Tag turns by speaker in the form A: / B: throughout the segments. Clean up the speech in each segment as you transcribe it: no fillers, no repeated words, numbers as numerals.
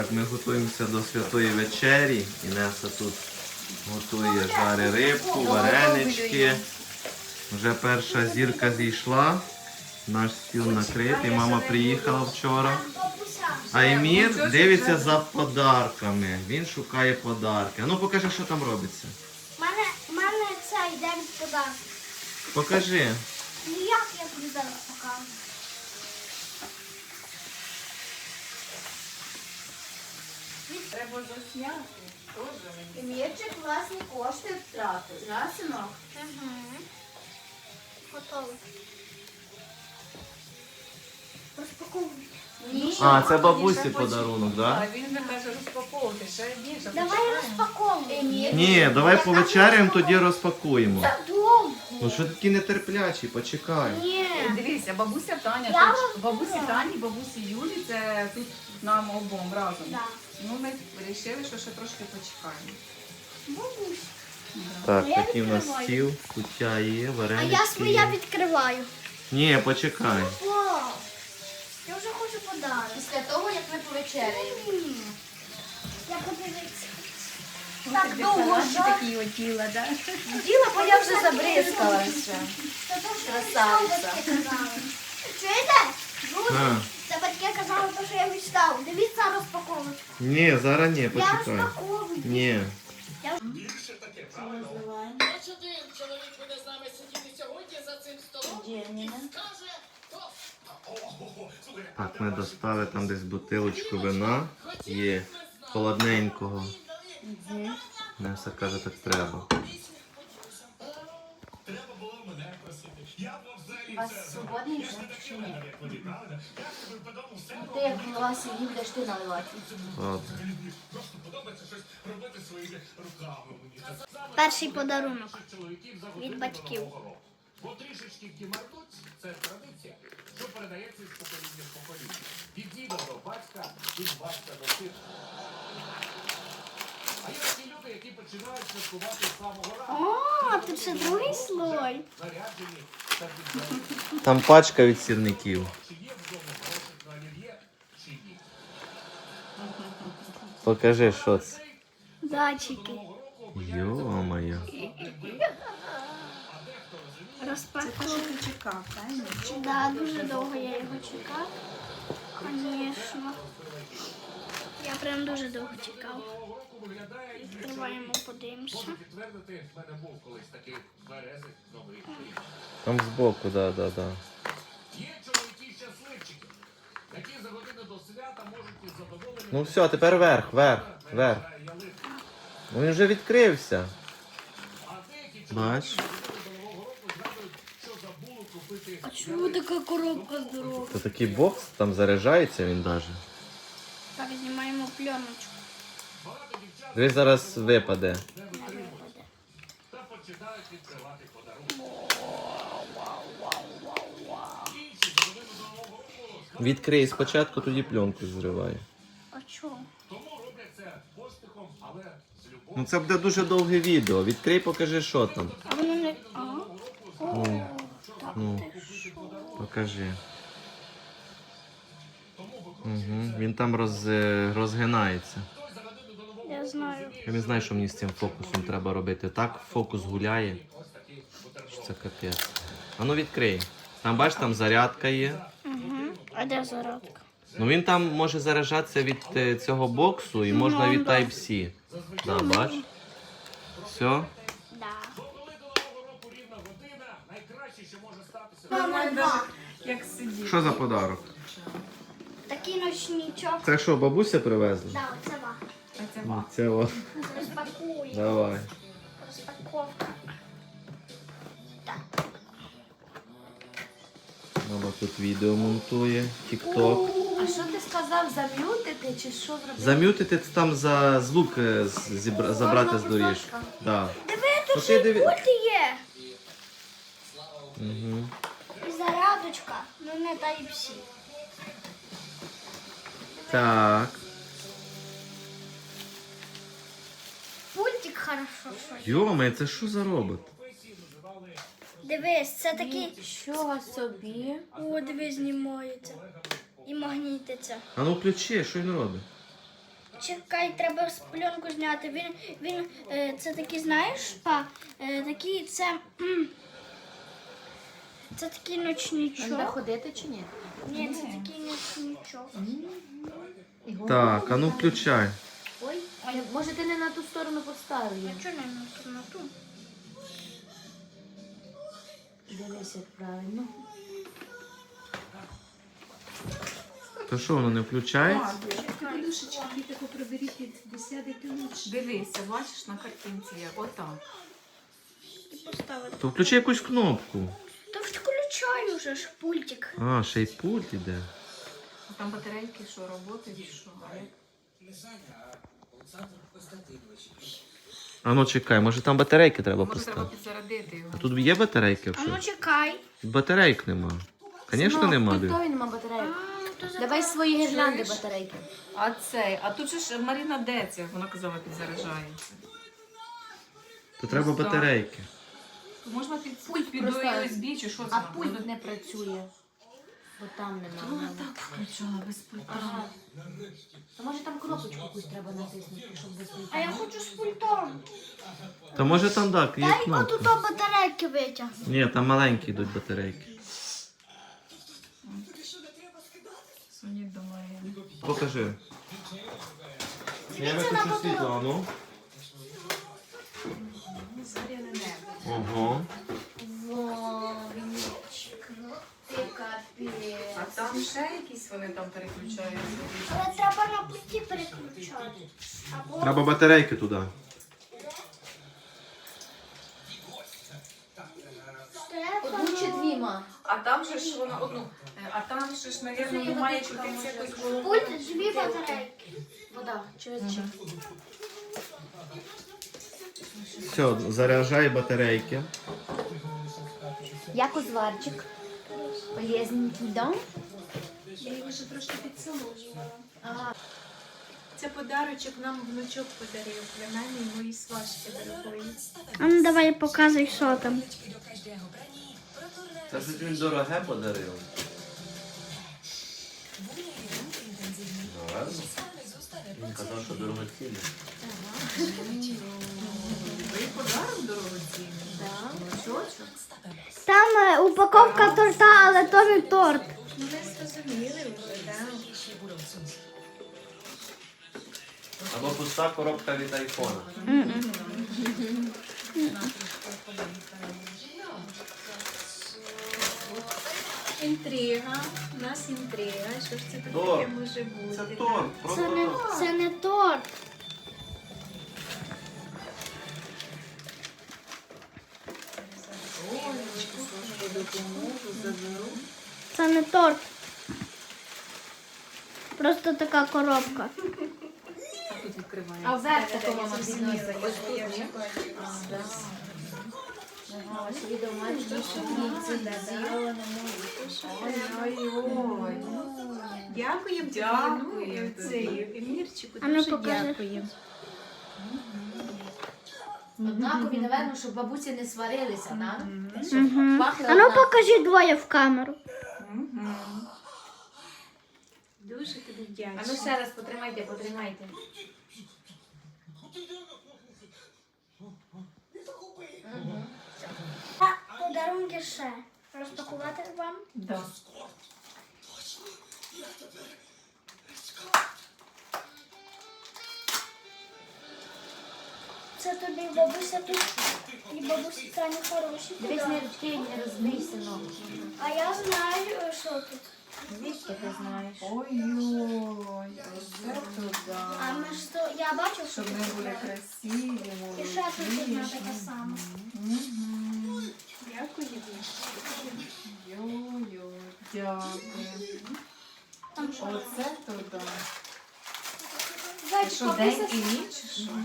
A: Ми готуємося до святої вечері. Інеса тут готує, жарить рибку, варенички. Вже перша зірка зійшла. Наш стіл накритий. Мама приїхала вчора. А Емір дивиться за подарками. Він шукає подарки. А ну покажи, що там робиться.
B: У мене це йде від подарунку.
A: Покажи.
B: Ну як я тобі зараз покажу?
C: Треба засняти. Теж мені.
D: Емірчик власні кошти втратив. Да, синок?
B: Угу. Готово. Розпаковуй.
D: Ні.
A: А, це бабусі
C: Ще
A: подарунок,
C: почекай.
A: так?
C: А він не каже розпаковувати. Ще більше.
B: Давай
C: почекаємо.
B: розпаковуй.
D: Емір.
A: Ні, давай повечеряємо, тоді розпакуємо.
B: Так довго.
A: Ну що ти такий нетерплячий, почекай.
B: Ні.
C: Дивіться, бабуся Таня,
B: Я
C: це бабусі Тані, бабусі Юлі, це тут нам обом разом.
B: Да.
C: Ну, ми вирішили, що ще трошки почекаємо.
B: Бабусь.
A: Так,
B: Я
A: такий у нас
B: відкриваю.
A: стіл, куття є,
B: А
A: варенички
B: я своя
A: є.
B: відкриваю.
A: Ні, почекай.
B: Вау. Я вже хочу подарок.
D: Після того, як ми повечеряємо.
B: Я подивитися.
C: Так
B: Так довго ж.
C: такі оділа, так?
D: Діла, бо я вже забризкалася.
B: Це то, що
D: Красавиця.
B: батьки казали. Чуєте? Друзі,
A: А.
B: це батьки казали, те, що я мечтав. Дивіться розпаковочку.
A: Ні, зараз ні,
B: Я
A: почекай.
B: розпаковую.
A: Ні.
E: Хоч один чоловік буде з нами сидіти сьогодні за цим столом і скаже,
A: Так, ми достали там десь бутилочку вина. Є холодненького. Неса каже, так треба.
D: У вас свободний вже чи ні? Ти як голова сім'ї будеш ти наливати.
A: Ладно.
B: Перший подарунок від батьків.
E: потрішечки кімартуць – це традиція, що передається з покоління в покоління. Від діда до батька, від батька до сина. А є такі люди, які починають святкувати з самого ранку,
B: О, тут ще другий слой.
E: заряджені та підзаряджені.
A: Там пачка від сірників.
E: Чи є вдома грошик на олів'є, чи ні.
A: Покажи, що це.
B: Зайчики.
A: Йо-моє.
B: Розпаковую.
C: Ти чекав, правильно?
B: Да, дуже довго я його чекав. Звісно. Я прям дуже довго чекав. Відкриваємо, подивимося.
E: Підтвердити, в мене був колись такий березик новий рік.
A: Там збоку, да.
E: Є чоловіки щасливчики, які за годину до свята можуть із задоволенням
A: Ну все, тепер вверх.
E: ялинку.
A: Ну він вже відкрився.
E: А деякі
A: Бач.
E: чоловіки до Нового року згадують, що забули купити
B: А чому така коробка здорова?
A: Це такий бокс, там заряджається він навіть.
B: Так, знімаємо пленочку.
E: багато дівчат
A: Дивись, зараз випаде.
B: Не випаде.
E: та починають відкривати подарунки. Інші за годину до Нового року
A: Відкрий спочатку, тоді пленку зриває.
B: А чого?
E: тому роблять це поспіхом, але з любов'ю.
A: Ну це буде дуже довге відео. Відкрий, покажи, що там.
B: А воно не... А? О, так
A: Ну,
B: ти що?
A: покажи. Угу. Він там розгинається.
B: Я знаю.
A: Я не знаю, що мені з цим фокусом треба робити. Так фокус гуляє. Що це капець. А ну відкрий. Там бачиш, там зарядка є.
B: Угу. А де зарядка?
A: Ну він там може заряджатися від цього боксу і можна від Type-C. Да, бач? Все.
B: Да.
E: Коли до Нового року рівна година, найкраще, що може статися.
B: Номер 2.
C: Як сидіти.
A: Що за подарок?
B: Такий ночничок.
A: Це що, бабуся привезла?
B: Да, оце ва.
C: Оце
A: Ну,
C: ва.
A: це о.
B: Розпакуємо.
A: Давай.
B: Розпаковка. Так.
A: Мама тут відео монтує, тік-ток.
D: А що ти сказав, зам'ютити чи що зробити?
A: Зам'ютити це там за звук забрати з доріжки. Да.
B: Диви,
A: Ну,
B: тут
A: ти
B: ще
A: диви-
B: пульт є.
A: Угу.
B: І зарядочка. Ну не Type-C.
A: Так.
B: Пультик хорошо. Що.
A: Йоме, це що за робот?
B: Дивись, це такий...
D: Нічого собі.
B: О, дивись, знімається. І магнітиться.
A: А ну включи, що він робить?
B: Це такий... О, дивись, знімається.
A: А ну включи, що він робить?
B: Чекай, треба з пленку зняти. Він це такий, знаєш, такий, це такий
D: Буде
B: ночничок.
D: ходити чи ні?
B: Ні, це такий ночничок.
A: Так, а ну включай.
D: Ой, може ти не на ту сторону поставив її?
B: Чого не на темноту?
D: Дивись, як правильно.
A: То що, воно не включається?
C: Подушечки таку приберіть, де сядете лучше. Дивися, бачиш на картинці як отак.
B: І поставити.
A: То включи якусь кнопку.
B: Та включай уже ж пультик.
A: А, ще й пульт іде.
C: А там батарейки, що роботи, і що. А як?
A: А ну чекай, може там батарейки треба
C: Може треба
A: поставити.
C: підзарядити його.
A: А тут є батарейки
B: А ну
A: взагалі?
B: чекай.
A: Тут батарейк нема. Звісно, нема.
D: Тут
A: диви.
D: той нема батарейок.
B: То
D: Давай свої гірлянди
C: Чуєш?
D: батарейки.
C: А тут же ж Маріна Деться, вона казала, підзаряджається.
A: То треба батарейки.
C: Можна під пульт під
D: Просто-
C: USB чи що це?
D: А
C: нам
D: пульт
C: буде?
D: не працює. Бо там
C: Вона
D: немає.
C: так включала без пульта.
D: Ага. А може там кнопочку якусь треба натиснути, щоб без пульта?
B: А я хочу з пультом.
A: То може там так, є
B: Дай
A: кнопка.
B: отут батарейки витягну.
A: Ні, там маленькі йдуть батарейки.
C: Сонік думає.
A: Покажи. Я виключу світло, а ну. Ого.
D: Вовничок, ну ти капець.
C: А там ще якісь вони там переключаються.
B: Але треба на пульті переключати. Або
A: Треба батарейки туди.
D: Одну чи двіма?
C: А там же ж вона одну. А там же ж, мабуть, має крутитися якось головою.
B: пульт дві батарейки.
D: Вода, через чим?
A: Все, заряджай батарейки.
D: Як узварчик. Полезненький, да?
F: Я його вже трошки підсолоджувала.
D: Ага.
F: Це подарочок нам внучок подарив, для мене і моїй сважки дорогої.
B: А ну давай показуй, що там.
A: Це ж він дороге подарив. Він казав, що дорогоцінне.
C: Ви подарок дорогоцінний.
D: Да. Ночочок.
B: Там упаковка торта, але то не торт.
F: Ну, ми зрозуміли вже, так?
A: Або пуста коробка від айфона.
F: Інтрига, у нас інтрига. Що ж це таке
A: Торт.
F: може бути?
A: Це
F: так?
A: торт, просто торт.
B: Це не торт. Це не торт. Просто така коробка.
C: А тут відкривається.
D: А вверх такого
F: Я
D: мама
F: зрозуміла,
D: підносить.
F: я
D: Ось тут,
F: вже
D: ні?
F: бачу.
D: Ага, ось відео маєш зеленому.
C: Ой-ой-ой.
F: Дякуємо
C: Дякую.
F: тобі, ну, цей Емірчику,
B: А ну,
F: дуже
B: покажи.
F: дякуємо.
D: Однакові, напевно, щоб бабусі не сварилися, так? Щоб
B: Мгм.
D: пахли
B: А ну
D: однаково.
B: покажи двоє в камеру.
F: Дуже тобі
D: А
F: вдячна.
D: ну ще раз потримайте, потримайте.
B: Подарунки ще. Розпакувати вам.
C: Да.
B: Це тобі бабуся тут. І бабуся це не хороші.
D: Дивись, не ручки, не розбийся, ну.
B: А я знаю, що тут.
D: Звідки ти знаєш?
C: Ой-ой. Оце туди.
B: А ми ж то я бачив, що
C: Щоб
B: тут.
C: ми були
B: є.
C: красиві,
B: І ще тут одна така сама.
F: Дякую.
C: Йо-йо, дякую.
B: Там що?
C: Оце туди. Це
B: Зайчик,
C: що, день і ніч? чи що?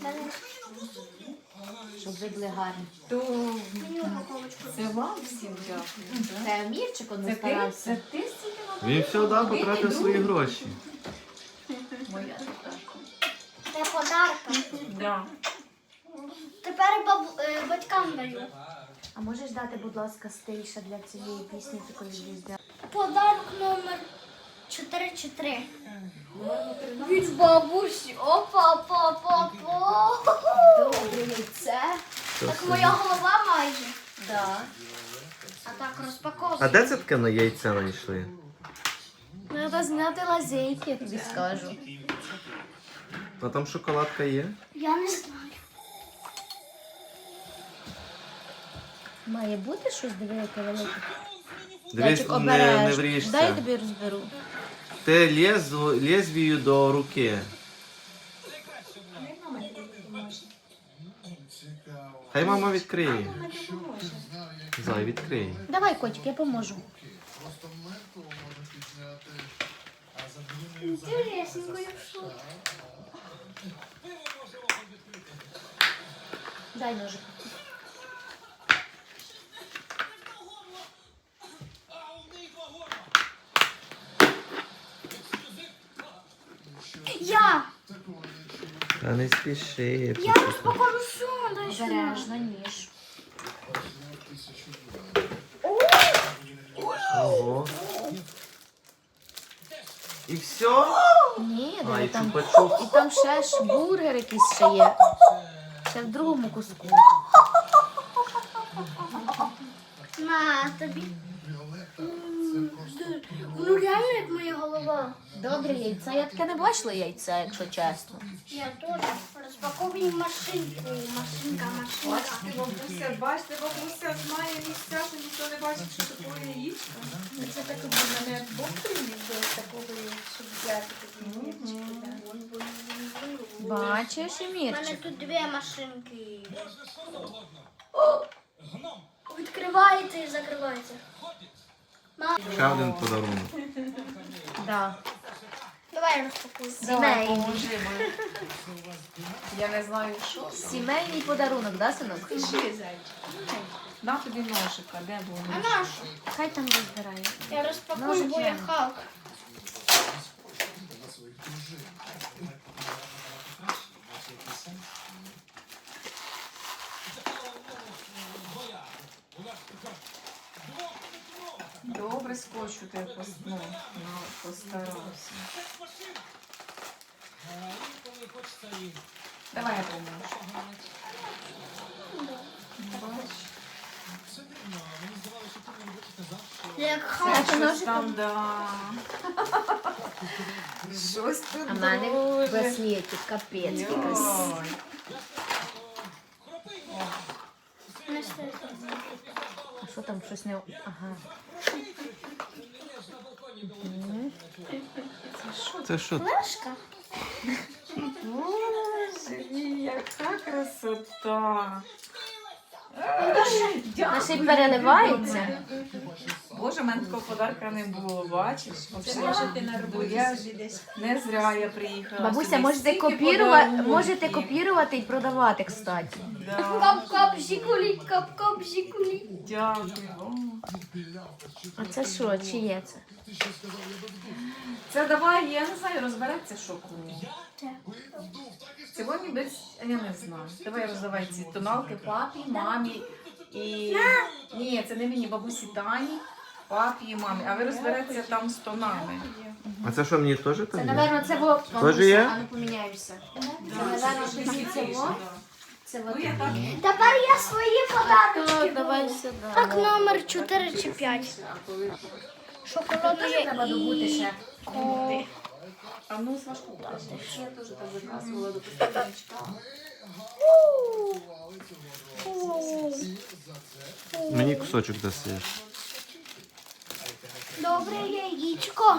D: Щоб ви були гарні.
C: То
B: Мені упаковочку.
C: це вам всім дякую. да?
D: Це Мірчик он
C: Це ти?
D: старався.
C: Це ти стільки надав?
A: Він завжди потратив свої гроші.
C: Моя така.
B: Це подарка.
C: Да.
B: Тепер батькам даю.
D: А можеш дати, будь ласка, стильше для цієї пісні такої звізди?
B: Подарок номер 4-3. Від бабусі. Опа-па-па-па.
D: Добре яйце.
B: Так моя голова майже.
D: Да.
B: А так розпаковуй.
A: А де це таке на яйця знайшли?
D: Треба зняти лазейки, я тобі скажу.
A: А там шоколадка є?
B: Я не знаю.
D: Має бути щось, диви, яке велике.
A: Дивись,
D: Зайчик,
A: не
D: обережно.
A: вріжся.
D: Дай я тобі розберу.
A: Ти лезвію до руки. Хай мама відкриє. Зай, відкриє.
D: Давай, котик, я поможу.
B: Інтересненько, я в шоці.
D: Дай ножик.
B: Я!
A: Та не спіши.
B: Я розпаковую все. Дай сюди.
D: Обережно, ніж.
A: Ого. І все?
D: Ні,
A: А,
D: диви,
A: і
D: там.
A: чупа-чупс.
D: І там ще ж бургер якийсь ще є. Ще в другому куску.
B: На тобі. Воно реально як моя голова.
D: Добре яйце. Я таке не бачила яйця, якщо чесно.
B: Я теж. Розпаковую машинку. Машинка.
F: Бабуся, бачите, бабуся знає місця, що ніхто не бачить, що таке яєчко. Ну, це так, якби мене Бог приніс до такого, щоб взяти такі яєчки.
D: Бачиш,
B: У мене
D: Емірчик?
B: тут дві машинки. Відкривається і закривається.
A: Ще один подарунок.
D: Да.
B: Давай розпакуй.
D: Сімейний.
C: Я не знаю, що.
D: Сімейний подарунок, да, синок?
C: Пиши, зайчик. На тобі ножика, де був
B: А
C: нож?
B: наш?
D: Хай там розбирає.
B: Я розпакую, бо я Халк.
C: Добре скотчу тебе постарався. Давай я поможу. Бач.
B: Як
C: Це
B: Халк.
C: щось там, да. Щось тут
D: А в мене
C: дуже.
D: браслетик, капець якийсь.
C: Ой.
D: А що там, щось не... Ага.
A: Це що?
B: Флешка?
C: Боже мій, яка красота.
D: Вона ще й переливається.
C: Боже, в мене такого подарка не було, бачиш?
F: Це
C: Вообще,
F: ти на роботі
C: я
F: собі десь.
C: не зря я приїхала.
D: Бабуся,
C: сюди.
D: можете
C: Стільки
D: копірувати,
C: подарунків.
D: можете копірувати і продавати, кстати.
C: Да.
B: Кап-кап, жікулі, кап-кап, жікулі.
C: Дякую. О.
D: А це що, чиє це?
C: Це давай, я не знаю, розбереться, що кому. Сьогодні без, я не знаю. Давай роздавай ці тоналки папі, мамі і... Ні, це не мені, бабусі Тані, папі і мамі. А ви розбереться там з тонами.
A: А це що, мені теж
D: Це,
A: там є?
D: напевно, це во.
A: Тоже є?
D: А ну поміняємося.
C: Да,
D: напевно,
C: це
D: щось
C: світліше,
D: цього.
C: да.
D: Це
C: Ну, я так.
B: Тепер я свої подарочки.
D: Так, давай сюди.
B: Так, номер 4 чи 5. Шоколаду є
D: Треба добути ще.
C: А ну, з важку Я теж так заказувала до поставничка.
A: Мені кусочок дасиш.
B: Добре яєчко.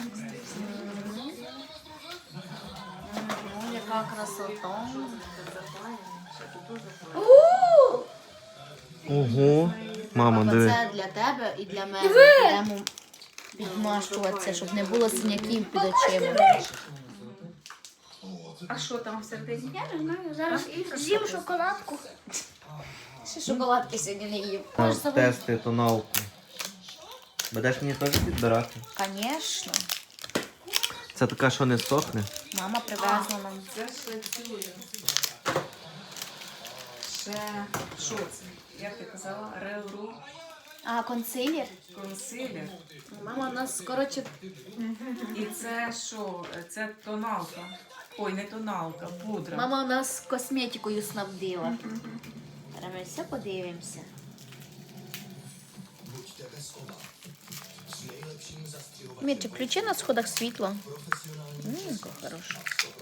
D: Ну, яка красота.
A: Ого. Мама,
D: Папа,
A: диви.
D: це для тебе і для мене. Будемо підмащуватися, щоб не було синяків під очима.
C: А що там всередині?
B: Я не знаю, зараз з'їм шоколадку.
D: Ще шоколадки сьогодні не їв.
A: Тести тоналку. Будеш мені теж підбирати?
D: Звісно.
A: Це така, що не сохне.
D: Мама привезла нам.
C: Це ще ціле. Ще, що це? Як ти казала? Ревру.
D: А, консилер?
C: Консилер. Мама у нас, коротше, і це що? Це тоналка. Ой, не тоналка, пудра.
D: Мама у нас косметикою снабдила. Зараз ми все подивимося. Мірчик, включи на сходах світло. Яка хороша.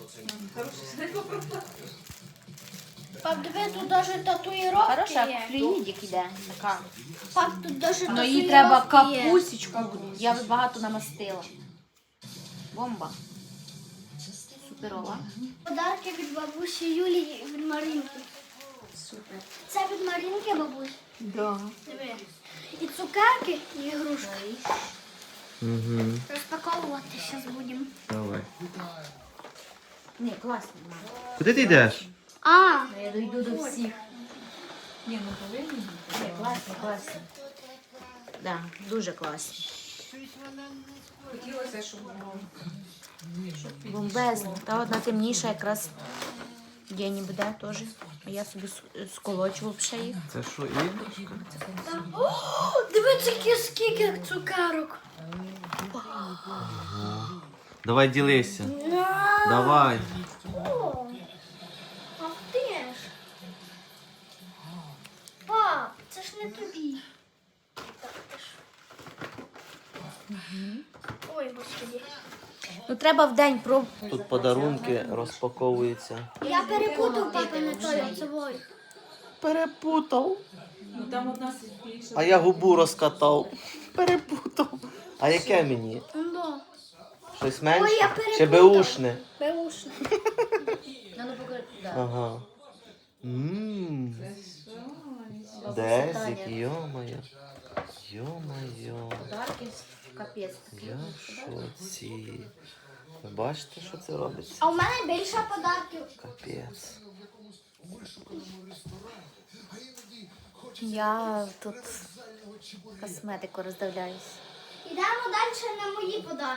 B: Пап, диви, тут навіть татуїровки
D: Хороша,
B: є.
D: флюїдик іде. Така.
B: Пап, тут навіть
D: Ну їй треба
B: татуїровки є.
D: капусечку. Я багато намастила. Бомба. Суперова.
B: Подарки від бабусі Юлії і від Маринки.
D: Супер.
B: Це від Маринки, бабусь.
D: Да.
B: Диви. І цукерки, і ігрушки.
A: Угу.
B: Розпаковувати зараз будемо.
A: Давай.
D: Ні, класно, мама.
A: Куди ти йдеш?
B: А,
D: Я дойду до всіх.
C: Ні, ну повинні бути.
D: Ні, класно, класно. Да, дуже класно.
C: Хотілося, щоб було.
D: Бомбезно. Та одна темніша якраз Дені буде теж. А я собі сколочу взагалі їх.
A: Це що, іграшка?
B: дивіться, скільки цукерок.
A: Давай ділися. Давай.
B: О, ах ти ж. Пап, це ж не тобі. Так, ти ж. Ой, господи.
D: Ну треба в день
A: Тут подарунки розпаковуються.
B: Я перепутав папа не той, а цевой.
A: Перепутав.
C: Ну там одна світліша.
A: А я губу розкатав. Перепутав. А яке мені?
B: Ну,
A: Щось
B: Ой, я
A: менше?
B: перепутав.
A: Чи беушне?
B: беушно.
D: Ну, покажи. Да.
A: Ага. Ммм.
D: Бабуся
A: Дезик,
D: Таня.
A: йо-моє. Йо-моє.
D: Подарки капець.
A: Я в шоці. Ви бачите, що це робиться?
B: А у мене більше подарків.
A: Капець.
D: Я тут косметику роздивляюсь.
B: Ідемо далі на мої подарки.